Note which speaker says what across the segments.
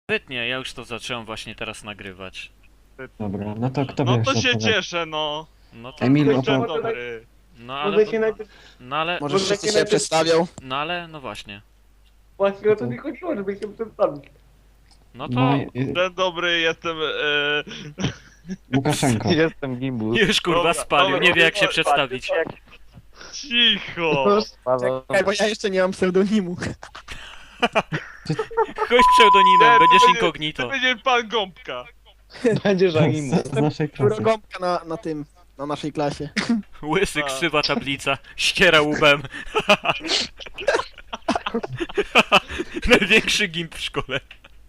Speaker 1: Świetnie, ja już to zacząłem właśnie teraz nagrywać.
Speaker 2: Dobra, no to kto
Speaker 3: No
Speaker 2: wie,
Speaker 3: to
Speaker 2: co
Speaker 3: się
Speaker 2: opowiada?
Speaker 3: cieszę, no.
Speaker 1: No to...
Speaker 2: Emil
Speaker 3: Dzień
Speaker 2: opowiada.
Speaker 3: dobry.
Speaker 1: No ale...
Speaker 4: Może się najpierw...
Speaker 1: No ale...
Speaker 5: Może
Speaker 4: Może
Speaker 5: wszyscy
Speaker 4: się
Speaker 5: się
Speaker 4: najpierw-
Speaker 5: przedstawią?
Speaker 1: No ale... No właśnie.
Speaker 4: Właśnie o to mi chodziło, żeby się przedstawić.
Speaker 1: No to...
Speaker 2: No,
Speaker 3: Dzień dobry, jestem...
Speaker 2: Łukaszenko.
Speaker 6: Jestem Gimbus.
Speaker 1: Już kurwa
Speaker 3: Dobra,
Speaker 1: spalił,
Speaker 3: dobra,
Speaker 1: nie wie jak się
Speaker 3: dobra,
Speaker 1: przedstawić.
Speaker 3: Cicho!
Speaker 6: Paweł.
Speaker 5: Czekaj, bo ja jeszcze nie mam pseudonimu.
Speaker 1: Chodź pseudonimem,
Speaker 3: Nie,
Speaker 1: będziesz
Speaker 3: to
Speaker 1: incognito.
Speaker 3: To będzie pan Gąbka.
Speaker 6: Będziesz
Speaker 2: Z naszej klasy.
Speaker 5: Urogąbka na naszej klasie.
Speaker 1: Łysy,
Speaker 3: A.
Speaker 1: krzywa tablica, ściera łbem. Największy gimp w szkole.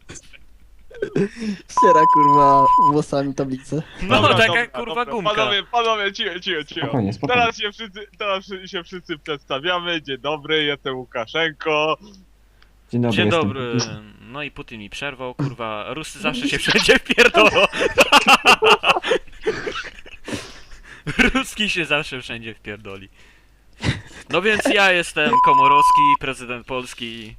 Speaker 5: Ściera kurwa włosami tablicę.
Speaker 1: No
Speaker 3: Dobra,
Speaker 1: taka
Speaker 3: dobra,
Speaker 1: kurwa
Speaker 3: dobra.
Speaker 1: gumka.
Speaker 3: Panowie, cicho.
Speaker 2: Spokojnie, spokojnie.
Speaker 3: Teraz się wszyscy przedstawiamy. Dzień dobry, jestem Łukaszenko.
Speaker 2: Dzień dobry.
Speaker 1: Dzień
Speaker 2: jestem
Speaker 1: dobry.
Speaker 2: Putin.
Speaker 1: No i Putin mi przerwał, kurwa. Rusy zawsze się wszędzie wpierdolą. Ruski się zawsze wszędzie wpierdoli. No więc ja jestem Komorowski, prezydent Polski.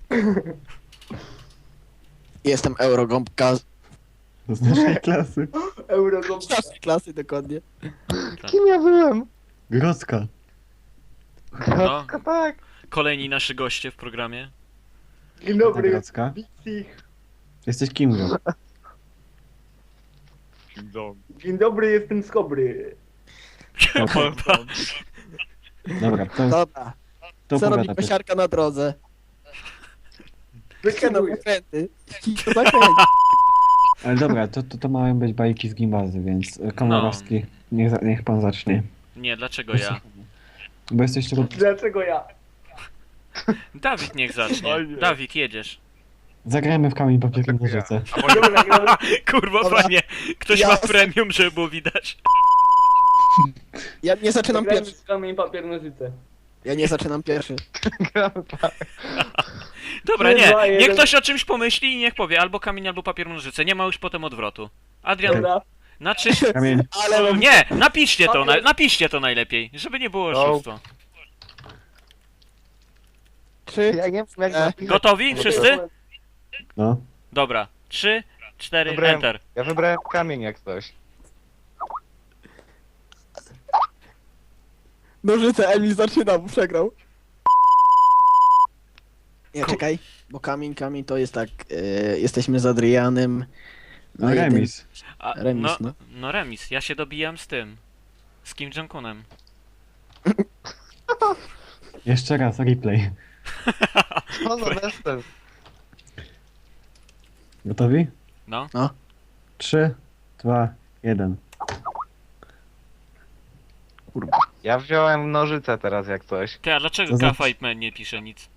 Speaker 5: Jestem Eurogąbka
Speaker 2: Z naszej klasy.
Speaker 5: z
Speaker 4: Eurogąbka.
Speaker 5: naszej klasy dokładnie.
Speaker 6: Kim ja byłem?
Speaker 2: Grodzka.
Speaker 1: No,
Speaker 6: Tak.
Speaker 1: kolejni nasi goście w programie.
Speaker 4: Dzień dobry,
Speaker 2: Grodzka.
Speaker 4: Bixich.
Speaker 2: Jesteś kim, Gro?
Speaker 3: Kim Jong.
Speaker 4: Dzień dobry, jestem Skobry.
Speaker 1: Kurwa.
Speaker 2: Dobra, to
Speaker 5: Dobra,
Speaker 2: to
Speaker 5: co robi
Speaker 2: opowiada.
Speaker 5: kosiarka na drodze? Wyciągnął
Speaker 4: Wykanuję.
Speaker 5: zakręty. To zakręci.
Speaker 2: Ale dobra, to mają być bajki z gimbazy, więc Komorowski, niech pan zacznie.
Speaker 1: Nie, dlaczego ja?
Speaker 2: Bo jesteś tylko...
Speaker 4: Dlaczego ja?
Speaker 1: Dawid niech zacznie.
Speaker 3: Oj nie.
Speaker 1: Dawid, jedziesz.
Speaker 2: Zagrajmy w kamień papier nożyce.
Speaker 4: Dobra, gramy.
Speaker 1: Kurwa
Speaker 5: Dobra.
Speaker 1: panie, ktoś
Speaker 5: Ja-
Speaker 1: ma premium, żeby było widać.
Speaker 5: Ja nie zaczynam
Speaker 4: Gramy
Speaker 5: pierwszy.
Speaker 4: w kamień, papier, nożyce.
Speaker 5: Ja nie zaczynam pierwszy.
Speaker 1: Dobra,
Speaker 4: Trzy, dwa,
Speaker 1: nie. Niech
Speaker 4: jeden.
Speaker 1: ktoś o czymś pomyśli i niech powie albo kamień, albo papier, nożyce. Nie ma już potem odwrotu. Adrian,
Speaker 4: Dobra.
Speaker 1: na 3...
Speaker 2: Kamień.
Speaker 5: Ale mam...
Speaker 1: Nie, napiszcie to najlepiej, żeby nie było
Speaker 6: No.
Speaker 1: oszustwa.
Speaker 5: 3,
Speaker 6: Ja nie wiem jak
Speaker 5: E,
Speaker 6: napisać.
Speaker 1: Gotowi? Wszyscy?
Speaker 2: No.
Speaker 1: Dobra. 3, 4,
Speaker 6: Dobra.
Speaker 1: enter.
Speaker 6: Ja wybrałem kamień jak coś.
Speaker 5: nożyce, Emil zaczyna, bo przegrał. Nie, czekaj, bo kamień to jest tak, jesteśmy z Adrianem.
Speaker 2: No
Speaker 5: jeden-
Speaker 2: remis.
Speaker 1: A,
Speaker 5: Remis,
Speaker 1: no.
Speaker 5: no.
Speaker 1: No remis, ja się dobijam z tym. Z Kim Jong-unem.
Speaker 2: Jeszcze raz, replay.
Speaker 6: No jestem.
Speaker 2: Gotowi?
Speaker 1: No.
Speaker 2: 3, 2, 1.
Speaker 6: Ja wziąłem nożyce teraz jak coś.
Speaker 1: Ty, a dlaczego
Speaker 2: To znaczy-
Speaker 1: K-Fight Man nie pisze nic?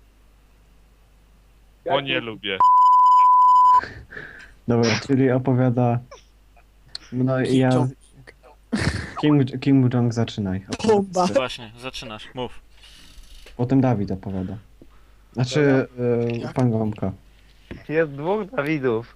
Speaker 3: Bo nie lubię.
Speaker 2: Dobra, czyli opowiada... No i ja... Kim Jong zaczynaj.
Speaker 5: Bomba.
Speaker 1: Właśnie, zaczynasz, mów.
Speaker 2: Potem Dawid opowiada. Znaczy, pan Gąbka.
Speaker 6: Jest dwóch Dawidów.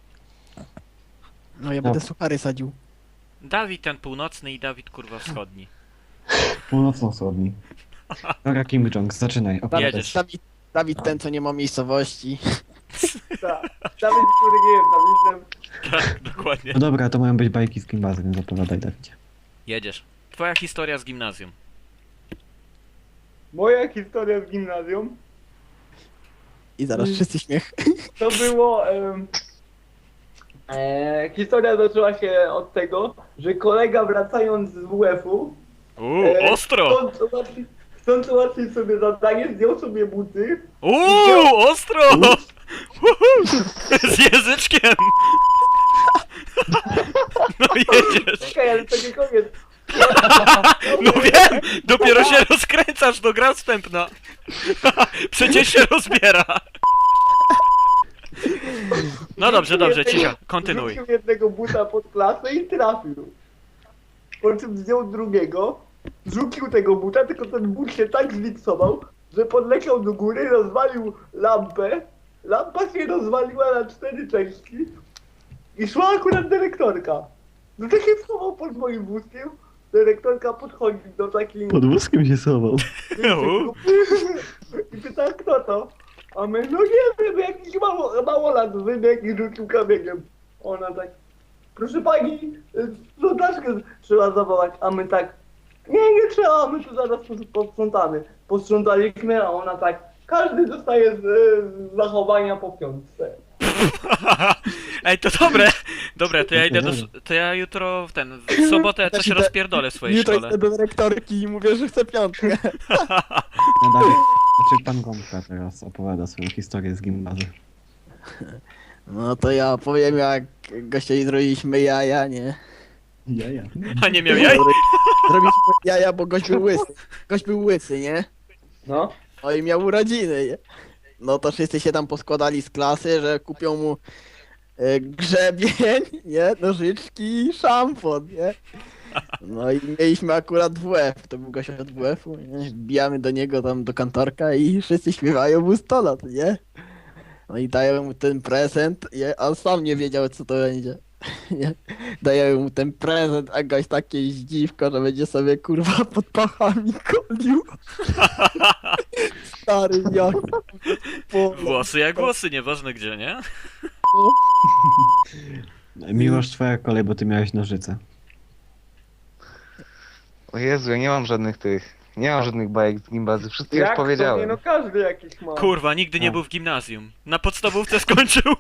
Speaker 5: No ja będę suchary sadził.
Speaker 1: Dawid ten północny i Dawid kurwa wschodni.
Speaker 2: Północno-wschodni. Dobra, Kim Jong, zaczynaj. opowiadaj.
Speaker 1: Jedziesz.
Speaker 5: Dawid ten, co nie ma miejscowości.
Speaker 4: Tak. Dawid, który nie jest Dawidem.
Speaker 1: Tak, dokładnie.
Speaker 2: No dobra, to mają być bajki z gimbazy, więc opowiadaj, Dawidzie.
Speaker 1: Jedziesz. Twoja historia z gimnazjum.
Speaker 4: Moja historia z gimnazjum
Speaker 5: I zaraz wszyscy śmiech.
Speaker 4: to było... historia zaczęła się od tego, że kolega wracając z WF-u
Speaker 1: Ostro!
Speaker 4: chcąc ułatwić sobie zadanie, zdjął sobie buty.
Speaker 1: Ostro! Uhu. Z języczkiem! No jedziesz!
Speaker 4: Czekaj, ale to nie koniec.
Speaker 1: No wiem! Dopiero się rozkręcasz do gra wstępna! Przecież się rozbiera! No dobrze, cicho, kontynuuj.
Speaker 4: Rzucił jednego buta pod klasę i trafił. Po czym zdjął drugiego, rzucił tego buta, tylko ten but się tak zliksował, że podleciał do góry, rozwalił lampę. Lampa się rozwaliła na 4 części i szła akurat dyrektorka. No to się schował pod moim wózkiem. Dyrektorka podchodzi do takiej...
Speaker 2: Pod wózkiem się schował.
Speaker 4: I pyta, kto to? A my, no nie wiem, jakiś małolat wybiegł i rzucił kamieniem. Ona tak, proszę pani, sprzątaczkę trzeba zawołać, a my tak, nie trzeba, my tu zaraz posprzątamy. Posprzątaliśmy, a ona tak, każdy dostaje z zachowania po piątce.
Speaker 1: Ej, to dobre! Dobra, to ja idę to ja jutro w sobotę coś rozpierdolę w swojej
Speaker 5: Jutro
Speaker 1: szkole.
Speaker 5: idę do dyrektorki i mówię, że chcę piątkę.
Speaker 2: No dalej. Znaczy pan Gąbka teraz opowiada swoją historię z gimnazjum.
Speaker 5: No to ja powiem, jak gościowi zrobiliśmy jaja, nie?
Speaker 2: Ja.
Speaker 1: A nie miał jaj?
Speaker 5: Zrobiliśmy jaja, bo gość był łysy. Gość był łysy, nie?
Speaker 4: No.
Speaker 5: No i miał urodziny, nie? No to wszyscy się tam poskładali z klasy, że kupią mu grzebień, nie? Nożyczki i szampon, nie? No i mieliśmy akurat WF, to był gość od WF-u, nie? Wbijamy do niego tam do kantorka i wszyscy śpiewają mu 100 lat, nie? No i dają mu ten prezent, nie? A on sam nie wiedział, co to będzie. Nie? Dają mu ten prezent, a gość takie zdziwko, że będzie sobie kurwa pod pachami kolił. Stary jak.
Speaker 1: Włosy jak głosy, nieważne gdzie, nie?
Speaker 2: Miłosz, twoja kolej, bo ty miałeś nożyce.
Speaker 6: O Jezu, ja nie mam żadnych nie mam żadnych bajek z gimbazy, wszystkie już
Speaker 4: Jak to nie,
Speaker 6: powiedziałem.
Speaker 4: no każdy jakiś ma.
Speaker 1: Kurwa, nigdy nie był w gimnazjum. Na podstawówce skończył.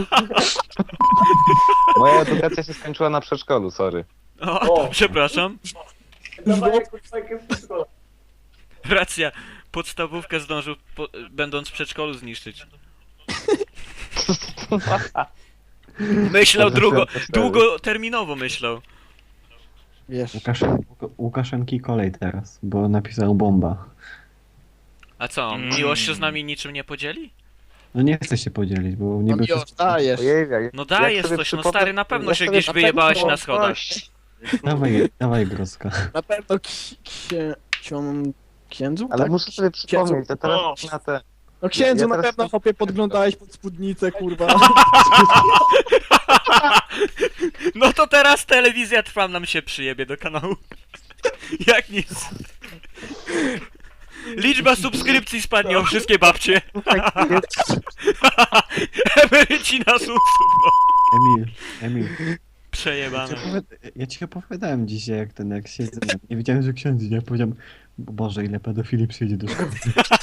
Speaker 6: Moja edukacja się skończyła na przedszkolu, sorry.
Speaker 1: O, przepraszam.
Speaker 4: Dawaj jakąś takie wszystko.
Speaker 1: Racja. Podstawówkę zdążył, będąc w przedszkolu, zniszczyć. Myślał długoterminowo myślał.
Speaker 5: Wiesz,
Speaker 2: Łukaszenki kolej teraz, bo napisał bomba.
Speaker 1: A co, Miłosz się z nami niczym nie podzieli?
Speaker 2: No nie chcę się podzielić, bo nie
Speaker 5: no
Speaker 2: by
Speaker 5: miłość dajesz.
Speaker 6: Ojej,
Speaker 1: No dajesz coś, no stary, na pewno się gdzieś
Speaker 5: na
Speaker 1: wyjebałeś
Speaker 5: pewno-
Speaker 1: na schodach.
Speaker 2: Dawaj Groska.
Speaker 5: Na pewno księdzu?
Speaker 6: Ale
Speaker 5: tak?
Speaker 6: muszę sobie przypomnieć, to teraz na te...
Speaker 5: No księdzu
Speaker 6: Ja
Speaker 5: na
Speaker 6: teraz-
Speaker 5: pewno chłopie podglądałeś pod spódnicę, kurwa.
Speaker 1: No to teraz telewizja Trwam nam się przyjebie do kanału. Jak nic. Liczba subskrypcji spadnie o wszystkie babcie. Emeryci na sub.
Speaker 2: Emil,
Speaker 1: Przejebane.
Speaker 2: ja ci opowiadałem dzisiaj, jak siedzę, nie wiedziałem, że ksiądz idzie, ja powiedziałem, Boże, ile pedofili przyjdzie do szkoły.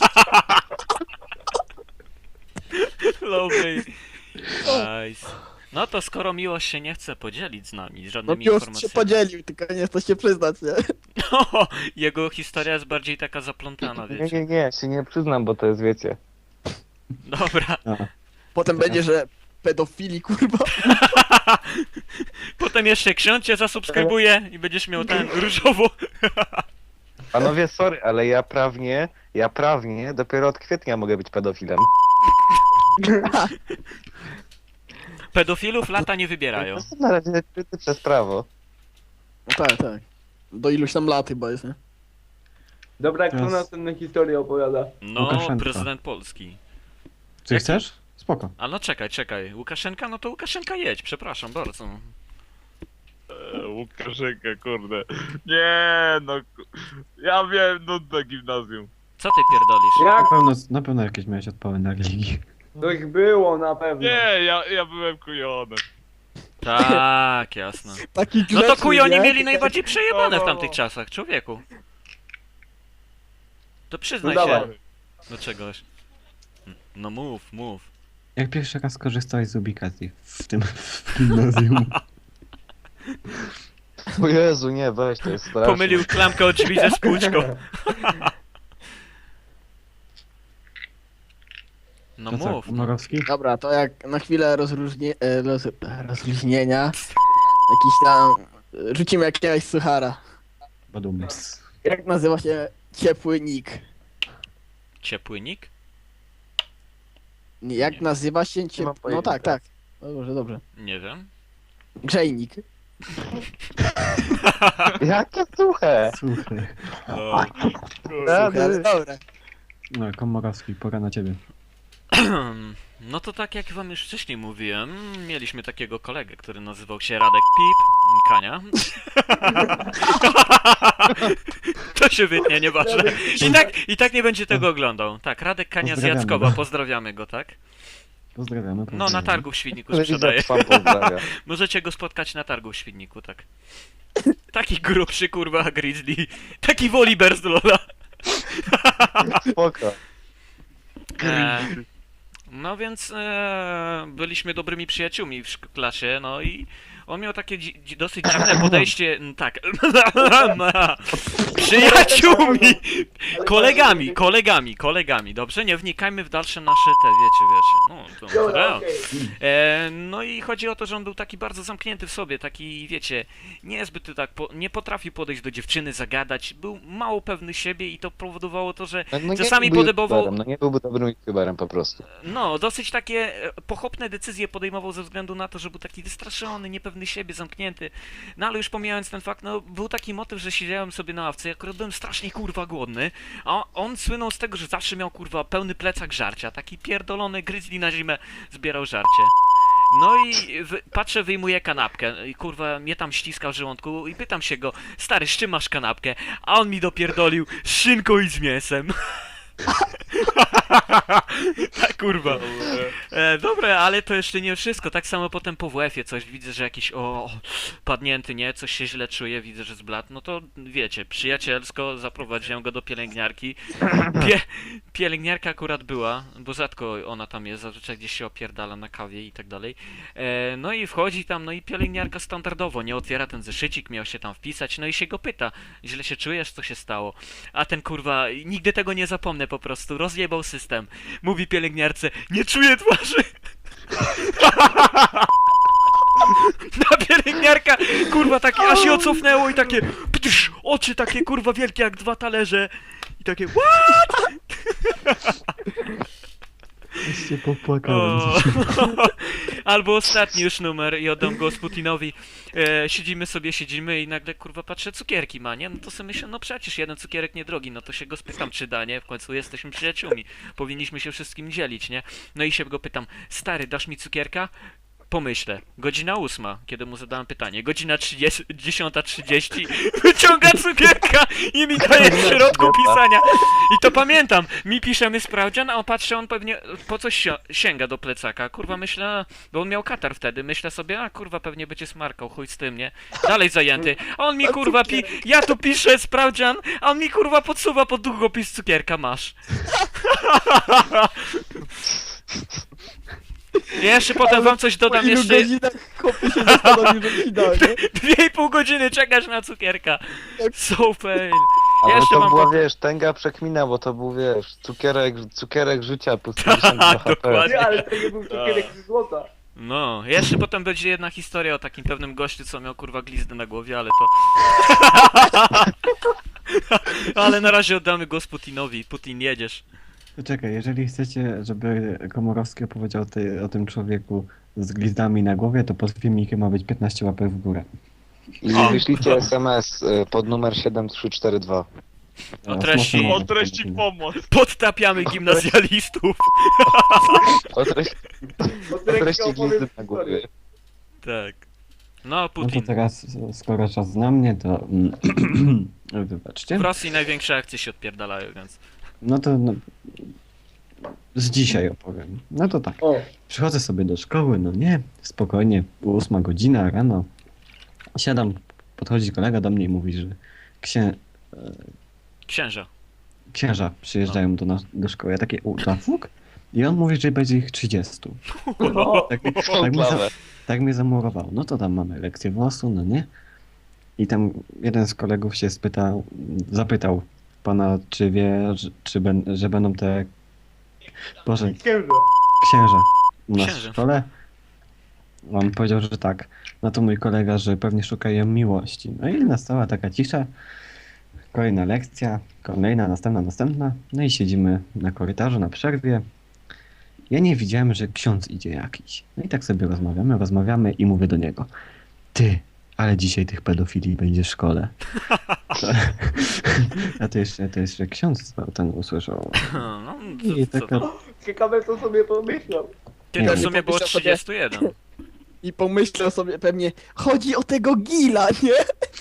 Speaker 1: Lovely. Nice. No to skoro Miłosz się nie chce podzielić z nami
Speaker 5: No
Speaker 1: żadnymi
Speaker 5: miłość się
Speaker 1: informacjami.
Speaker 5: podzielił, tylko nie chce się przyznać, nie?
Speaker 1: No, jego historia jest bardziej taka zaplątana, wiecie.
Speaker 6: Nie, się nie przyznam, bo to jest, wiecie...
Speaker 1: Dobra.
Speaker 2: A,
Speaker 5: Potem będzie, że pedofili, kurwa.
Speaker 1: Potem jeszcze ksiądz cię zasubskrybuje i będziesz miał ten różowo.
Speaker 6: Panowie, sorry, ale ja prawnie dopiero od kwietnia mogę być pedofilem.
Speaker 1: Pedofilów lata nie wybierają.
Speaker 6: To na razie kryty przez prawo.
Speaker 5: No tak, tak. Do iluś tam lat chyba jest, nie?
Speaker 4: Dobra, kto
Speaker 2: Teraz-
Speaker 4: następną historię opowiada?
Speaker 1: No,
Speaker 2: Łukaszenka.
Speaker 1: prezydent Polski.
Speaker 2: czy chcesz? Spoko.
Speaker 1: A no czekaj. Łukaszenka, no to Łukaszenka jedź, przepraszam bardzo.
Speaker 3: Łukaszenka, kurde. Nie, no... Ja wiem, nudne gimnazjum.
Speaker 1: Co ty pierdolisz?
Speaker 4: Jak
Speaker 2: Na pewno jakieś miałeś odpały na religii.
Speaker 4: coś było na pewno.
Speaker 3: Nie, ja byłem kujonem.
Speaker 1: Tak, jasne.
Speaker 5: Taki
Speaker 1: No to
Speaker 5: grzeczny,
Speaker 1: kujoni
Speaker 5: nie?
Speaker 1: mieli najbardziej przejebane w
Speaker 3: No.
Speaker 1: tamtych czasach, człowieku. To przyznaj
Speaker 4: No
Speaker 1: się
Speaker 4: dawaj.
Speaker 1: do czegoś. No mów.
Speaker 2: Jak pierwszy raz korzystałeś z ubikacji w gimnazjum?
Speaker 6: O Jezu, nie, weź, to jest straszne.
Speaker 1: Pomylił klamkę od drzwi ze spłuczką. No
Speaker 2: To co,
Speaker 1: mów.
Speaker 2: Komorowski?
Speaker 5: Dobra, to jak na chwilę rozluźnienia, jakiś tam, rzucimy jakiegoś suchara.
Speaker 2: Badum.
Speaker 5: Jak nazywa się ciepły nick?
Speaker 1: Ciepły nick?
Speaker 5: Jak
Speaker 1: Nie.
Speaker 5: nazywa się
Speaker 6: mam
Speaker 5: ciepły... No
Speaker 6: pojęcia.
Speaker 5: tak. Dobrze.
Speaker 1: Nie wiem.
Speaker 5: Grzejnik.
Speaker 6: Jakie suche!
Speaker 2: Słuchaj.
Speaker 1: O,
Speaker 5: Suche, ale dobre.
Speaker 2: No, Komorowski, pora na ciebie.
Speaker 1: No to tak jak wam już wcześniej mówiłem, mieliśmy takiego kolegę, który nazywał się Radek Pip, Kania. To się wytnie, nieważne. I tak nie będzie tego oglądał. Tak, Radek Kania z
Speaker 2: Pozdrawiamy
Speaker 1: Jackowa,
Speaker 2: go.
Speaker 1: pozdrawiamy go, tak?
Speaker 2: Pozdrawiamy.
Speaker 1: No,
Speaker 2: pozdrawiamy.
Speaker 1: na targu w Świdniku
Speaker 6: Telewizor
Speaker 1: sprzedaje.
Speaker 6: sam pozdrawia.
Speaker 1: Możecie go spotkać na targu w Świdniku, tak. Taki grubszy, kurwa, grizzly. Taki Woliber z Lola.
Speaker 6: Spoko.
Speaker 1: No więc byliśmy dobrymi przyjaciółmi w klasie, no i on miał takie dosyć dziwne podejście, tak, przyjaciółmi, kolegami, dobrze? Nie wnikajmy w dalsze nasze te, wiecie, no to
Speaker 4: Dobra,
Speaker 1: to.
Speaker 4: okej.
Speaker 1: No i chodzi o to, że on był taki bardzo zamknięty w sobie, taki, wiecie, niezbyt tak, nie potrafił podejść do dziewczyny, zagadać, był mało pewny siebie i to powodowało to, że
Speaker 6: No,
Speaker 1: czasami
Speaker 6: nie był
Speaker 1: podobał...
Speaker 6: youtuberem, no nie byłby dobrym youtuberem po prostu.
Speaker 1: No, dosyć takie pochopne decyzje podejmował ze względu na to, że był taki wystraszony, niepewny siebie, zamknięty. No ale już pomijając ten fakt, no był taki motyw, że siedziałem sobie na ławce i akurat byłem strasznie kurwa głodny, a on słynął z tego, że zawsze miał kurwa pełny plecak żarcia, taki pierdolony grizzly na zimę zbierał żarcie. No i patrzę, wyjmuję kanapkę i kurwa mnie tam ściska w żołądku i pytam się go, stary, z czym masz kanapkę? A on mi dopierdolił z szynką i z mięsem. Tak kurwa. Dobre, ale to jeszcze nie wszystko. Tak samo potem po WF-ie coś widzę, że jakiś padnięty, nie? Coś się źle czuje, widzę, że zbladł. No to wiecie, przyjacielsko zaprowadziłem go do pielęgniarki. Pielęgniarka akurat była, bo rzadko ona tam jest, zazwyczaj gdzieś się opierdala na kawie i tak dalej. No i wchodzi tam, no i pielęgniarka standardowo nie otwiera ten zeszycik, miał się tam wpisać, no i się go pyta, źle się czujesz, co się stało? A ten kurwa, nigdy tego nie zapomnę po prostu, rozjebał system. Mówi pielęgniarce, nie czuję twarzy. Na pielęgniarka, kurwa, takie, aż się ocofnęło i takie, ptsz, oczy takie, kurwa, wielkie jak 2 talerze. I takie, what?
Speaker 2: Już się popłakałem.
Speaker 1: O. Albo ostatni już numer i oddam go Putinowi. Siedzimy i nagle kurwa patrzę, cukierki ma, nie? No to sobie myślę, no przecież jeden cukierek niedrogi, no to się go spytam, czy da, nie? W końcu jesteśmy przyjaciółmi. Powinniśmy się wszystkim dzielić, nie? No i się go pytam, stary, dasz mi cukierka? Pomyślę, godzina 8, kiedy mu zadałem pytanie, godzina 10:30, wyciąga cukierka i mi daje w środku pisania. I to pamiętam, mi piszemy sprawdzian, a on patrzy, on pewnie po coś sięga do plecaka. Kurwa myślę, bo on miał katar wtedy, myślę sobie, a kurwa pewnie będzie smarkał, chuj z tym, nie? Dalej zajęty, a on mi kurwa ja tu piszę sprawdzian, a on mi kurwa podsuwa pod długopis cukierka, masz. Jeszcze potem wam coś dodam,
Speaker 5: Po ilu
Speaker 1: jeszcze
Speaker 5: godzinach kopie się zastanowił, że ci da, nie?
Speaker 1: 2,5 godziny czekasz na cukierka. So fail.
Speaker 6: Ale
Speaker 1: Jeszcze
Speaker 6: to
Speaker 1: mam
Speaker 6: była,
Speaker 1: po-
Speaker 6: wiesz, tęga przekmina, bo to był, wiesz, cukierek życia plus 50 HP.
Speaker 1: dokładnie.
Speaker 4: Nie, ale to nie był cukierek ze złota.
Speaker 1: No, jeszcze potem będzie jedna historia o takim pewnym gościu, co miał kurwa glizdę na głowie, ale to... Ale na razie oddamy go Putinowi. Putin, jedziesz.
Speaker 2: Czekaj, jeżeli chcecie, żeby Komorowski opowiedział o tym człowieku z glizdami na głowie, to pod filmikiem ma być 15 łapek w górę.
Speaker 6: I wyślijcie SMS pod numer 7342.
Speaker 1: O treści-
Speaker 2: Mocno
Speaker 3: O
Speaker 2: może
Speaker 3: treści
Speaker 2: być.
Speaker 3: pomoc.
Speaker 1: Podtapiamy gimnazjalistów.
Speaker 6: O treści glizdy na głowie.
Speaker 1: Tak. No,
Speaker 2: No to
Speaker 1: Putin.
Speaker 2: teraz, skoro czas na mnie, to wybaczcie.
Speaker 1: W Rosji największe akcje się odpierdalają, więc...
Speaker 2: No to z dzisiaj opowiem. No to tak.
Speaker 4: O,
Speaker 2: Przychodzę sobie do szkoły, no nie, spokojnie, 8 godzina rano. Siadam, podchodzi kolega do mnie i mówi, że
Speaker 1: Księża.
Speaker 2: księża przyjeżdżają do szkoły. Ja takie, fuk? I on mówi, że będzie ich 30. Tak mnie zamurował. No to tam mamy lekcję WOS-u, no nie? I tam jeden z kolegów się zapytał pana, czy wie, że będą te... Boże,
Speaker 4: księża.
Speaker 2: księża u nas
Speaker 1: Księże.
Speaker 2: w szkole. On powiedział, że tak. No to mój kolega, że pewnie szukają miłości. No i nastała taka cisza. Kolejna lekcja, kolejna, następna. No i siedzimy na korytarzu, na przerwie. Ja nie widziałem, że ksiądz idzie jakiś. No i tak sobie rozmawiamy i mówię do niego. Ty, ale dzisiaj tych pedofili będzie w szkole. A to jeszcze ksiądz ten usłyszał.
Speaker 1: No,
Speaker 2: I
Speaker 1: co
Speaker 2: taka...
Speaker 1: to?
Speaker 4: Ciekawe co sobie pomyślał.
Speaker 1: Ty,
Speaker 2: Nie
Speaker 1: to w
Speaker 2: wiem.
Speaker 1: sumie było
Speaker 5: Pomyślał sobie-
Speaker 1: 31.
Speaker 5: I pomyślał sobie pewnie, chodzi o tego Gila, nie?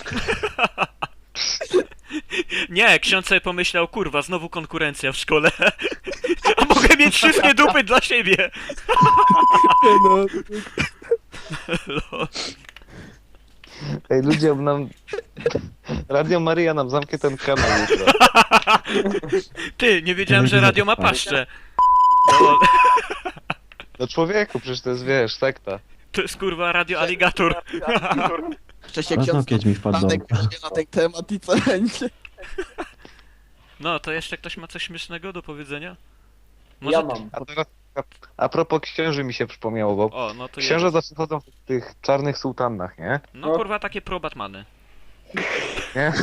Speaker 1: Nie, ksiądz sobie pomyślał, kurwa, znowu konkurencja w szkole. A mogę mieć wszystkie dupy dla siebie.
Speaker 5: No,
Speaker 1: Lol.
Speaker 6: Ej, ludzie nam... Radio Maryja nam zamknie ten kanał jutro.
Speaker 1: Ty, nie wiedziałem, że radio ma paszczę. Lol.
Speaker 6: No człowieku, przecież to jest, wiesz, sekta.
Speaker 1: To jest kurwa radio aligator.
Speaker 5: jeszcze się
Speaker 2: Paznokieć mi wpadł do
Speaker 5: Stanek
Speaker 2: oka.
Speaker 5: powie na ten temat i co będzie.
Speaker 1: No, to jeszcze ktoś ma coś śmiesznego do powiedzenia?
Speaker 4: Ja mam.
Speaker 6: A teraz a propos księży mi się przypomniało, bo
Speaker 1: O, no to
Speaker 6: księże
Speaker 1: jest.
Speaker 6: zawsze chodzą w tych czarnych sułtannach, nie?
Speaker 1: No kurwa, takie pro-Batmany.
Speaker 6: Nie?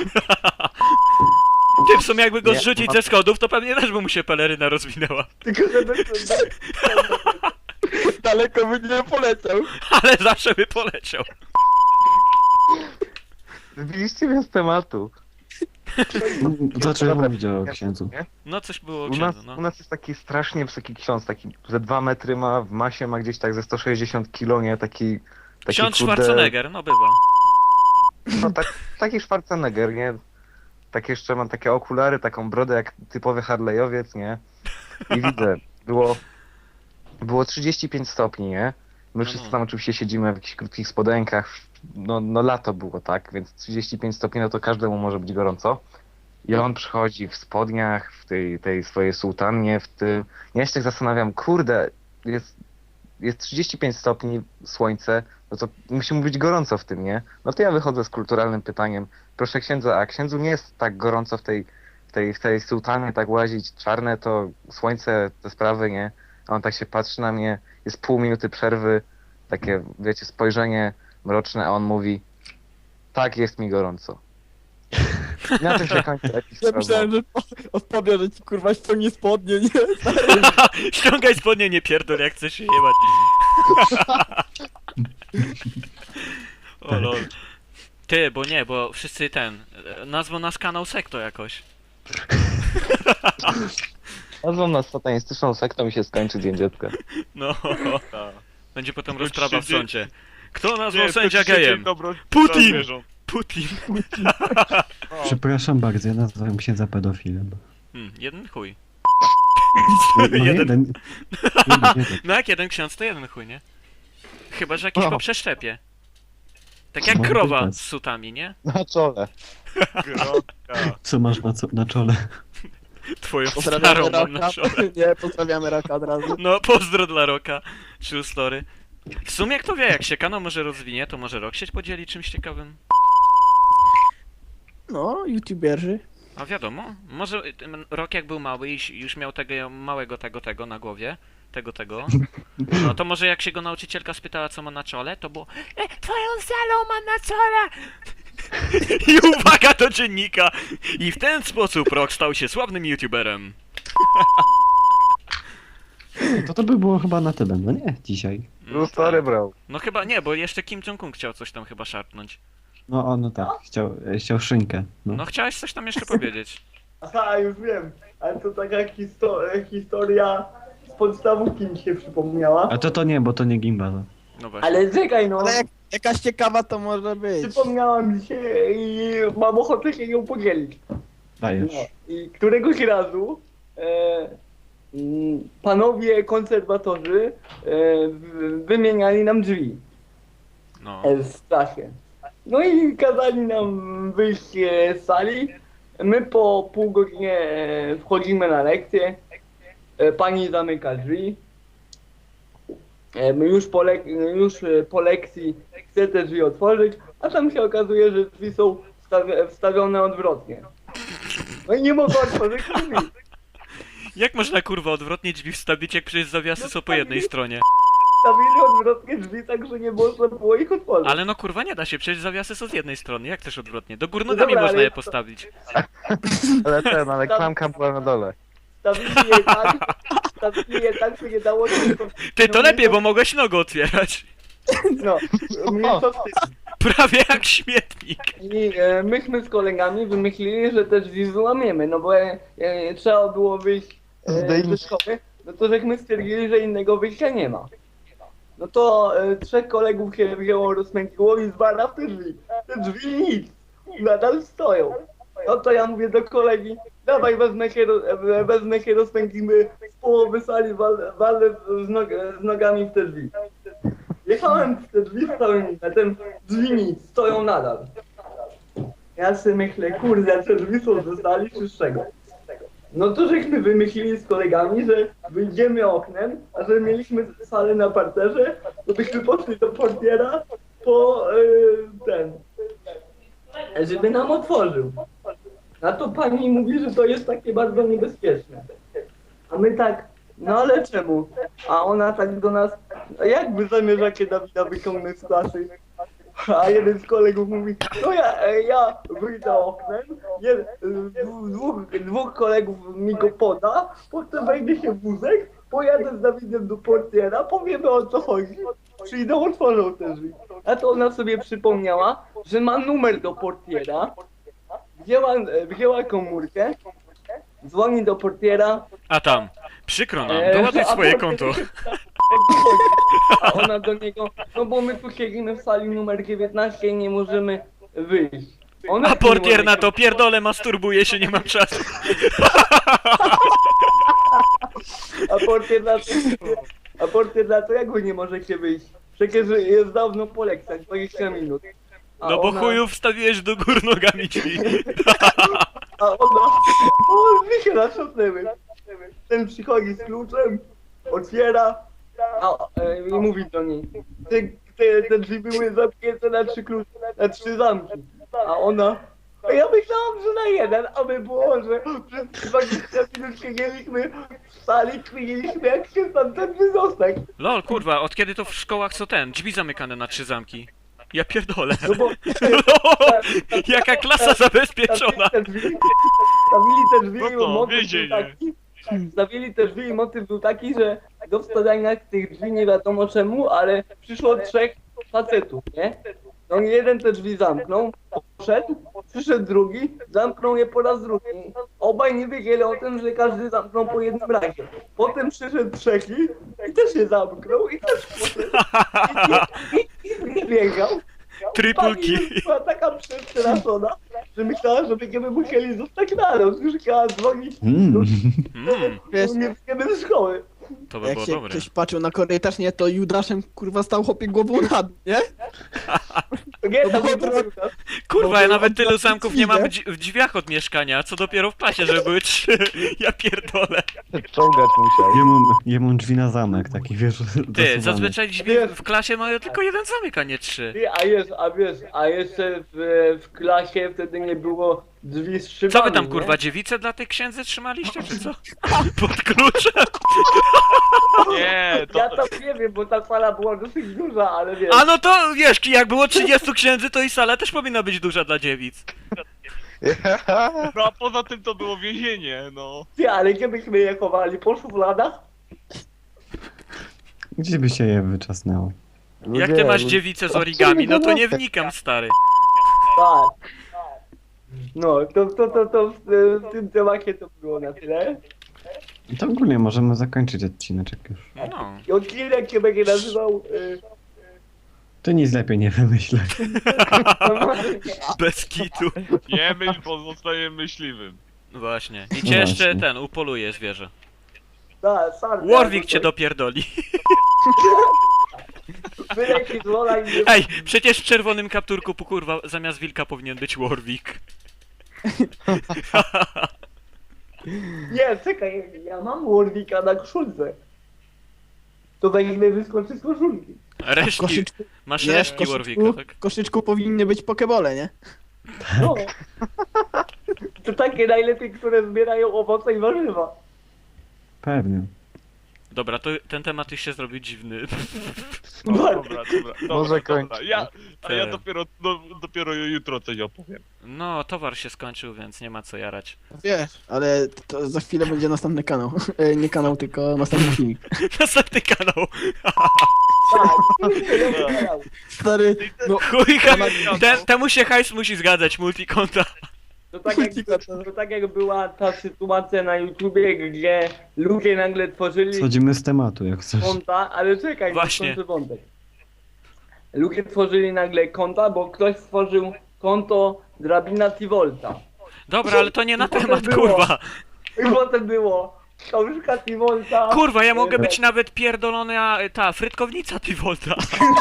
Speaker 1: Ty, w sumie jakby go
Speaker 6: Nie,
Speaker 1: zrzucić
Speaker 6: ma-
Speaker 1: ze schodów, to pewnie też by mu się peleryna rozwinęła.
Speaker 4: Tylko żeby...
Speaker 5: Daleko by nie poleciał.
Speaker 1: Ale zawsze by poleciał.
Speaker 6: Wybiliście mnie z tematu.
Speaker 2: Zacząłem mówić o księdzu.
Speaker 6: Nie?
Speaker 1: No coś było o
Speaker 6: U nas,
Speaker 1: księdzu,
Speaker 6: u
Speaker 1: no.
Speaker 6: nas jest taki strasznie wysoki ksiądz, taki ze 2 metry ma, w masie ma gdzieś tak ze 160 kilo, nie? Taki
Speaker 1: Ksiądz
Speaker 6: kurde-
Speaker 1: Schwarzenegger, no bywa.
Speaker 6: No taki Schwarzenegger, nie? Tak jeszcze mam takie okulary, taką brodę jak typowy Harleyowiec, nie? I widzę, było 35 stopni, nie? My
Speaker 1: No,
Speaker 6: wszyscy
Speaker 1: no.
Speaker 6: tam oczywiście siedzimy w jakichś krótkich spodenkach, no lato było, tak? Więc 35 stopni, no to każdemu może być gorąco. I on przychodzi w spodniach, w tej swojej sułtannie, w tym... Ja się tak zastanawiam, kurde, jest 35 stopni, słońce, no to musi mu być gorąco w tym, nie? No to ja wychodzę z kulturalnym pytaniem, proszę księdza, a księdzu nie jest tak gorąco w tej sułtanie, tak łazić, czarne to słońce, te sprawy, nie? A on tak się patrzy na mnie, jest pół minuty przerwy, takie, wiecie, spojrzenie mroczne, a on mówi, tak, jest mi gorąco. I na tym się kończy epizod.
Speaker 5: Ja myślałem, że odpowie, że ci kurwa ściągnie spodnie, nie?
Speaker 1: Ściągaj spodnie, nie pierdol, jak chcesz się jebać. O lol. Ty, bo wszyscy nazwą nas kanał Sekto jakoś.
Speaker 6: Nazwą nas satanistyczną sektą i się skończy Dzień Dziecka.
Speaker 1: No. Będzie potem
Speaker 3: Skończy
Speaker 1: rozprawa w
Speaker 3: się dzień-
Speaker 1: sądzie. Kto nazwał
Speaker 3: Nie,
Speaker 1: sędzia
Speaker 3: to dzisiaj
Speaker 1: gejem?
Speaker 3: dobro-
Speaker 1: Putin!
Speaker 3: zwierząt.
Speaker 1: Putin.
Speaker 2: Przepraszam bardzo, ja nazwałem księdza pedofilem.
Speaker 1: Jeden chuj.
Speaker 2: No
Speaker 1: Jeden.
Speaker 2: jeden.
Speaker 1: No jak jeden ksiądz, to jeden chuj, nie? Chyba, że jakiś
Speaker 6: O.
Speaker 1: po przeszczepie. Tak jak
Speaker 2: Może
Speaker 1: krowa
Speaker 2: być
Speaker 1: z sutami, nie?
Speaker 6: Na czole.
Speaker 3: Grotka.
Speaker 2: Co masz na czole?
Speaker 1: Twoją
Speaker 5: Pozdrawiamy
Speaker 1: starą mam na
Speaker 5: Roka.
Speaker 1: czole.
Speaker 5: Nie, pozdrawiamy Roka od razu.
Speaker 1: No, pozdro dla Roka. True story. W sumie kto wie, jak się kanał może rozwinie, to może Rok się podzieli czymś ciekawym.
Speaker 5: No, youtuberzy.
Speaker 1: A wiadomo, może Rok jak był mały i już miał tego małego tego na głowie, tego, no to może jak się go nauczycielka spytała co ma na czole, to było twoją salą mam na czole! I uwaga do dziennika! I w ten sposób Rok stał się sławnym youtuberem.
Speaker 2: To by było chyba na tyle, no nie? Dzisiaj.
Speaker 6: True story, bro.
Speaker 1: No chyba nie, bo jeszcze Kim Jong-un chciał coś tam chyba szarpnąć.
Speaker 2: No tak, chciał szynkę.
Speaker 1: No chciałeś coś tam jeszcze powiedzieć.
Speaker 4: Aha, już wiem. Ale to taka historia z podstawówki mi się przypomniała.
Speaker 2: A to nie, bo to nie gimbal.
Speaker 1: No właśnie.
Speaker 4: Ale czekaj no.
Speaker 5: Ale jakaś ciekawa to może być.
Speaker 4: Przypomniała mi się i mam ochotę się ją podzielić.
Speaker 2: Dajesz.
Speaker 4: No. I któregoś razu panowie konserwatorzy wymieniali nam drzwi
Speaker 1: No.
Speaker 4: w klasie. No i kazali nam wyjść z sali. My po pół godzinie wchodzimy na lekcję. Pani zamyka drzwi. Już po lekcji chce te drzwi otworzyć, a tam się okazuje, że drzwi są wstawione odwrotnie. No i nie mogę otworzyć drzwi.
Speaker 1: Jak można kurwa odwrotnie drzwi wstawić, jak przecież zawiasy są po jednej stronie?
Speaker 4: Wstawili odwrotnie drzwi, tak że nie można było ich otworzyć.
Speaker 1: Ale no kurwa nie da się, przecież zawiasy są z jednej strony, jak też odwrotnie? Do gór
Speaker 4: No
Speaker 1: nogami
Speaker 4: dobra,
Speaker 1: można
Speaker 4: ale
Speaker 1: je
Speaker 4: to-
Speaker 1: postawić.
Speaker 6: Ale klamka była na dole.
Speaker 4: Stawili je tak, że nie dało się...
Speaker 1: Ty, to lepiej, bo mogłeś nogę otwierać.
Speaker 4: No, mniejsza z tym.
Speaker 1: Prawie jak śmietnik.
Speaker 4: I myśmy z kolegami wymyślili, że te drzwi złamiemy, no bo trzeba było wyjść ze
Speaker 6: Zdejmij.
Speaker 4: szkoły. no to żeśmy stwierdzili, że innego wyjścia nie ma. No to 3 kolegów się wzięło, rozpędziło i zwala w te drzwi. Te drzwi nic, nadal stoją. No to ja mówię do kolegi, dawaj wezmę się rozpędzimy z połowy sali, walę z nogami w te drzwi. Jechałem w te drzwi z całym impetem, drzwi nic, stoją nadal. Ja sobie myślę, kurde, te drzwi są ze sali czy z czego? No to żeśmy wymyślili z kolegami, że wyjdziemy oknem, a że mieliśmy salę na parterze, to byśmy poszli do portiera po żeby nam otworzył. A to pani mówi, że to jest takie bardzo niebezpieczne. A my tak, no ale czemu? A ona tak do nas, a jak wy zamierzacie Dawida wyciągnąć z klasy? A jeden z kolegów mówi, no ja wyjdę oknem, dwóch kolegów mi go poda, potem wejdzie się wózek, pojadę z Dawidem do portiera, powiemy o co chodzi, przyjdą, otworzą te drzwi. A to ona sobie przypomniała, że ma numer do portiera, wzięła komórkę, dzwoni do portiera.
Speaker 1: A tam, przykro nam, doładuj
Speaker 4: a
Speaker 1: swoje
Speaker 4: portier
Speaker 1: konto.
Speaker 4: się pyta, jak to chodzi? A ona do niego, no bo my tu siedzimy w sali numer 19 i nie możemy wyjść. Ona
Speaker 1: A
Speaker 4: nie
Speaker 1: portier
Speaker 4: może
Speaker 1: na
Speaker 4: się-
Speaker 1: to, pierdolę, masturbuje się, nie mam czasu.
Speaker 4: A portier na to jak wy nie możecie wyjść? Przecież jest dawno po lekcjach, 20 minut. A
Speaker 1: No bo
Speaker 4: ona-
Speaker 1: chuju wstawiłeś do gór nogami drzwi.
Speaker 4: A ona, o, mi się natrząsnęły. Ten przychodzi z kluczem, otwiera, i mówi do niej, te drzwi były zamknięte na 3 klucze, na 3 zamki. A ona, a ja myślałam, że na jeden, a my było, że przez 20 minut siedzieliśmy w sali, kminiliśmy jak się stamtąd wydostać.
Speaker 1: Lol, kurwa, od kiedy to w szkołach co ten? Drzwi zamykane na 3 zamki. Ja pierdolę.
Speaker 4: No bo
Speaker 1: Jaka klasa zabezpieczona.
Speaker 4: Stawili te drzwi
Speaker 3: No
Speaker 4: i
Speaker 3: to,
Speaker 4: motyw był
Speaker 3: więzienie.
Speaker 4: taki, stawili te drzwi i motyw był taki, że do wstawiania tych drzwi nie wiadomo czemu, ale przyszło 3 facetów, nie? No i jeden te drzwi zamknął, poszedł, przyszedł drugi, zamknął je po raz drugi. Obaj nie wiedzieli o tym, że każdy zamknął po jednym razie. Potem przyszedł trzeci i też je zamknął i też poszedł. I biegał.
Speaker 1: Tripulki.
Speaker 4: Pani była taka przestraszona, że myślała, że będziemy musieli zostać na noc. Już chciała dzwonić,
Speaker 5: Wiesz,
Speaker 4: nie wyjdziemy ze szkoły.
Speaker 1: To by
Speaker 5: jak
Speaker 1: było
Speaker 5: się
Speaker 1: dobre.
Speaker 5: ktoś patrzył na korytarz, nie, to Judaszem kurwa stał chłopie głową na dół, nie?
Speaker 4: To nie,
Speaker 5: No
Speaker 4: tam
Speaker 5: bo
Speaker 4: nie
Speaker 5: to-
Speaker 4: było.
Speaker 1: Kurwa, ja nawet tylu
Speaker 5: Bo-
Speaker 1: zamków nie mam w drzwiach od mieszkania, co dopiero w klasie, żeby były 3. Ja pierdolę.
Speaker 6: Czołgać musiał.
Speaker 2: Jemu drzwi na zamek, taki wiesz,
Speaker 1: Ty,
Speaker 2: dosuwany.
Speaker 1: zazwyczaj drzwi w klasie mają tylko jeden zamek, a nie 3.
Speaker 4: Ty, a jeszcze w klasie wtedy nie było drzwi z szybami.
Speaker 1: Co wy tam
Speaker 4: nie?
Speaker 1: kurwa, dziewice dla tych księdzy trzymaliście, czy co? Pod kluczem?
Speaker 3: Nie,
Speaker 4: Ja
Speaker 3: to...
Speaker 4: tam nie wiem, bo ta sala była dosyć duża, ale wiesz.
Speaker 1: A no to wiesz, jak było 30 księdzy, to i sala też powinna być duża dla dziewic.
Speaker 3: No a poza tym to było więzienie, no.
Speaker 4: Ty, ale gdzie byśmy je chowali? Po szufladach?
Speaker 2: Gdzie by się je wyczasnęło?
Speaker 1: Jak ty masz dziewicę z origami, no to nie wnikam, stary.
Speaker 4: Tak. No, to w tym temacie to było na tyle.
Speaker 2: To ogólnie możemy zakończyć odcineczek już.
Speaker 1: No.
Speaker 4: I odcinek się będzie nazywał...
Speaker 2: To nic lepiej nie wymyślę.
Speaker 1: Bez kitu.
Speaker 3: Nie myśl, pozostaje myśliwym.
Speaker 1: Właśnie. I
Speaker 2: No
Speaker 1: cię jeszcze
Speaker 2: właśnie.
Speaker 1: ten, upoluje zwierzę.
Speaker 4: Tak, sardę.
Speaker 1: Warwick cię dopierdoli.
Speaker 4: Wyleci z wola i...
Speaker 1: Ej, przecież w czerwonym kapturku, kurwa, zamiast wilka powinien być Warwick.
Speaker 4: Nie, czekaj, ja mam Warwicka na koszulce. To wejdę wyskoczy z koszulki.
Speaker 1: Resztki.
Speaker 5: Koszyczku,
Speaker 1: Masz
Speaker 5: nie, w
Speaker 1: resztki Warwicka, tak?
Speaker 5: w koszyczku powinny być pokebole, nie?
Speaker 4: No. To takie najlepiej, które zbierają owoce i warzywa.
Speaker 2: Pewnie.
Speaker 1: Dobra, to ten temat już się zrobił dziwny.
Speaker 3: No,
Speaker 4: Bardzo.
Speaker 3: dobra.
Speaker 6: Może kończyć.
Speaker 3: A ja dopiero jutro coś opowiem.
Speaker 1: No, towar się skończył, więc nie ma co jarać.
Speaker 5: Wiesz, ale to za chwilę będzie następny kanał. Nie kanał, tylko następny filmik.
Speaker 1: Następny kanał.
Speaker 4: Tak.
Speaker 5: Stary, no
Speaker 1: Chuj, temu się hajs musi zgadzać, multikonta.
Speaker 4: To tak jak była ta sytuacja na YouTubie, gdzie ludzie nagle tworzyli
Speaker 2: Schodzimy z tematu, jak coś.
Speaker 4: konta, ale czekaj,
Speaker 1: Właśnie.
Speaker 4: skończę wątek. Ludzie tworzyli nagle konta, bo ktoś stworzył konto Drabina Tivolta.
Speaker 1: Dobra, ale to nie na
Speaker 4: I potem
Speaker 1: temat,
Speaker 4: było.
Speaker 1: kurwa.
Speaker 4: I potem było książka Tivolta.
Speaker 1: Kurwa, ja mogę być nawet pierdolona, ta, frytkownica Tivolta.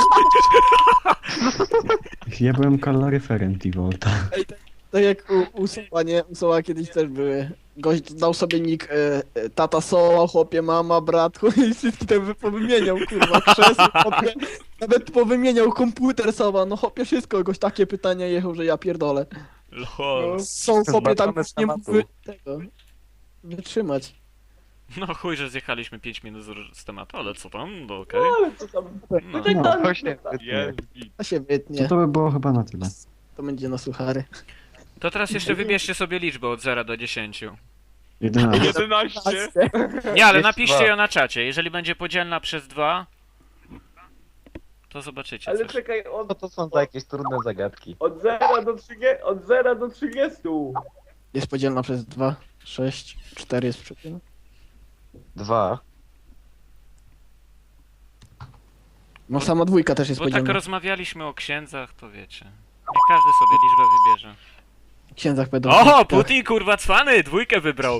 Speaker 2: Ja byłem kaloryferem T-Volta.
Speaker 5: Tak jak u Soła, nie? U Soła kiedyś też były. Gość dał sobie nick tata Soła, chłopie, mama, brat, i wszystkie te powymieniał, kurwa, krzesło, chłopie. Nawet powymieniał komputer Soła, no chłopie, wszystko, gość takie pytania jechał, że ja pierdolę.
Speaker 1: Lol.
Speaker 5: Są chłopie tam
Speaker 6: Zbaczone z
Speaker 5: nie
Speaker 6: tematu.
Speaker 5: mógł tego wytrzymać.
Speaker 1: No chuj, że zjechaliśmy 5 minut z tematu, ale co tam, no okej.
Speaker 4: No, ale co tam?
Speaker 1: No.
Speaker 4: tak
Speaker 2: No,
Speaker 4: tam-
Speaker 6: Właśnie,
Speaker 3: Jest.
Speaker 5: To się
Speaker 2: To
Speaker 5: wytnie,
Speaker 2: to by było chyba na tyle.
Speaker 5: to będzie na suchary.
Speaker 1: To teraz jeszcze wybierzcie sobie liczbę od 0 do 10.
Speaker 2: 11.
Speaker 3: 11.
Speaker 1: Nie, ale
Speaker 6: Jest
Speaker 1: napiszcie
Speaker 6: dwa.
Speaker 1: ją na czacie. Jeżeli będzie podzielna przez 2, to zobaczycie
Speaker 4: Ale
Speaker 1: coś.
Speaker 4: czekaj,
Speaker 6: Co to są za jakieś trudne zagadki?
Speaker 4: od 0 do 30, od 0 do 30.
Speaker 5: Jest podzielna przez 2, 6, 4 jest przeciwna.
Speaker 6: 2.
Speaker 5: No sama dwójka też jest
Speaker 1: Bo tak
Speaker 5: podzielna.
Speaker 1: rozmawialiśmy o księdzach, to wiecie. Niech każdy sobie liczbę wybierze.
Speaker 5: W księdzach będą...
Speaker 1: O, Putin kurwa cwany, dwójkę wybrał.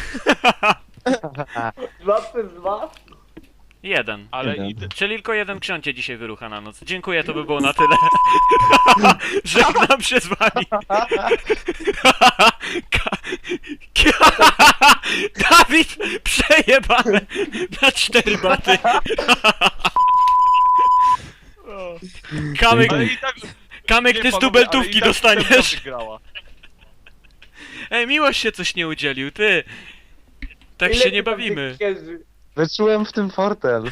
Speaker 4: 2 przez 2?
Speaker 1: 1.
Speaker 3: Ale
Speaker 2: Jeden.
Speaker 3: i ty...
Speaker 1: Czyli tylko jeden ksiądzie dzisiaj wyrucha na noc. Dziękuję, to by było na tyle. Żegnam się z wami. Dawid, przejebane na 4 baty. Kamek,
Speaker 3: Ale i tak...
Speaker 1: Kamek,
Speaker 3: nie,
Speaker 1: ty z
Speaker 3: panowie,
Speaker 1: dubeltówki
Speaker 3: ale i tak
Speaker 1: dostaniesz.
Speaker 3: Semka wygrała.
Speaker 1: Ej, Miłość się coś nie udzielił, ty. Tak się nie bawimy.
Speaker 6: Wyczułem w tym fortel.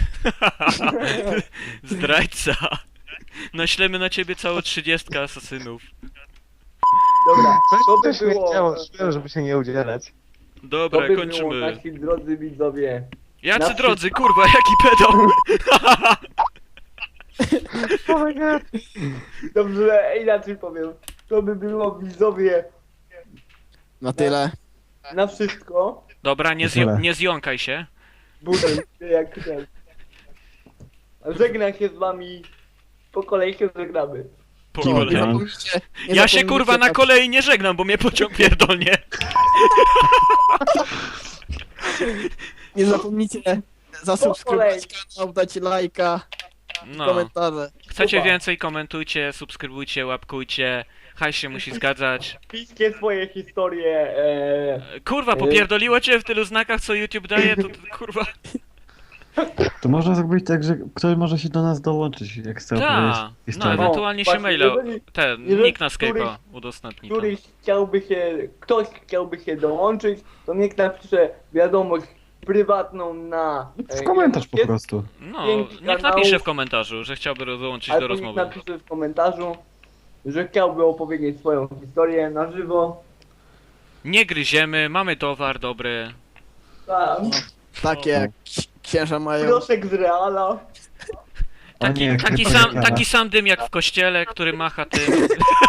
Speaker 1: Zdrajca. Naślemy na ciebie całą 30 asasynów.
Speaker 4: Dobra, to by
Speaker 6: Coś mnie
Speaker 4: było...
Speaker 6: chciało, szłem, żeby się nie udzielać.
Speaker 4: To
Speaker 1: Dobra,
Speaker 4: by było,
Speaker 1: kończymy.
Speaker 4: nasi drodzy widzowie.
Speaker 1: Jacy
Speaker 4: na
Speaker 1: drodzy, kurwa, jaki pedał.
Speaker 4: Dobrze, inaczej powiem. To by było widzowie
Speaker 5: Na tyle.
Speaker 4: na wszystko.
Speaker 1: Dobra, nie zjąkaj się.
Speaker 4: Budem się jak ten. Żegnam się z wami. Po kolei się żegnamy.
Speaker 1: Po
Speaker 2: Kim
Speaker 1: kolei.
Speaker 2: ja?
Speaker 1: Ja się kurwa na kolei nie żegnam, bo mnie pociąg pierdolnie.
Speaker 5: Nie zapomnijcie zasubskrybować kanał, dać lajka,
Speaker 1: No.
Speaker 5: komentarze.
Speaker 1: Chcecie
Speaker 4: Super.
Speaker 1: więcej, komentujcie, subskrybujcie, łapkujcie. Hajs się musi zgadzać.
Speaker 4: Piszcie swoje historie.
Speaker 1: Kurwa, popierdoliło cię w tylu znakach, co YouTube daje, to kurwa.
Speaker 2: To można zrobić tak, że ktoś może się do nas dołączyć, jak chce opowiedzieć
Speaker 1: Ta, no
Speaker 2: historię.
Speaker 1: ewentualnie się
Speaker 4: Właśnie,
Speaker 1: maila,
Speaker 4: jeżeli-
Speaker 1: ten, nick na Skype'a udostępni tam.
Speaker 4: Ktoś chciałby się dołączyć, to niech napisze wiadomość prywatną na...
Speaker 2: W komentarz po
Speaker 4: jest-
Speaker 2: prostu.
Speaker 1: No,
Speaker 4: dzięki
Speaker 1: niech
Speaker 4: kanału.
Speaker 1: napisze w komentarzu, że chciałby dołączyć do
Speaker 4: Albo niech
Speaker 1: rozmowy.
Speaker 4: napisze w komentarzu, że chciałby opowiedzieć swoją historię na żywo.
Speaker 1: Nie gryziemy, mamy towar dobry.
Speaker 4: Tak.
Speaker 5: Takie jak księża mają.
Speaker 4: Proszek z Reala.
Speaker 2: O nie,
Speaker 1: Taki
Speaker 2: kryptorekama.
Speaker 1: taki sam dym jak w kościele, który macha tym.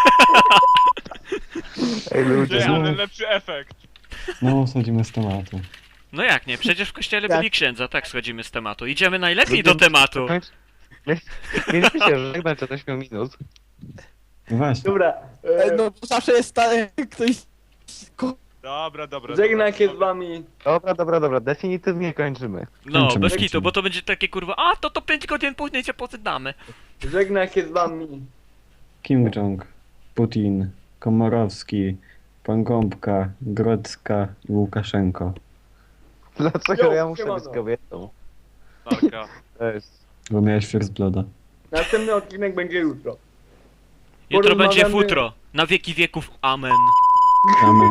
Speaker 6: Ej ludzie,
Speaker 3: Nie, ale lepszy efekt.
Speaker 2: No, schodzimy z tematu.
Speaker 1: No jak nie, przecież w kościele
Speaker 5: Tak.
Speaker 1: byli księdza, tak schodzimy z tematu. Idziemy najlepiej do tematu.
Speaker 6: mieliśmy się żegnać od 8 minut.
Speaker 2: No właśnie.
Speaker 4: Dobra.
Speaker 5: No bo zawsze jest ktoś...
Speaker 3: Dobra.
Speaker 4: Żegnam się z
Speaker 3: dobra.
Speaker 4: wami.
Speaker 6: Dobra, definitywnie kończymy.
Speaker 1: No,
Speaker 2: Kończymy,
Speaker 1: bez
Speaker 2: kończymy.
Speaker 1: kitu, bo to będzie takie kurwa, a to 5 godzin później się poddamy.
Speaker 4: Żegnam się z wami.
Speaker 2: Kim Jong, Putin, Komorowski, Pan Gąbka, Grodzka i Łukaszenko.
Speaker 6: Dlaczego
Speaker 4: Jo,
Speaker 6: ja muszę
Speaker 4: siemano.
Speaker 6: być kobietą?
Speaker 3: Taka.
Speaker 6: To jest...
Speaker 2: Bo miałeś First Blooda.
Speaker 4: Następny odcinek będzie jutro.
Speaker 1: Jutro będzie
Speaker 4: Porozmawiamy-
Speaker 1: futro. Na wieki wieków, amen.
Speaker 2: Amen.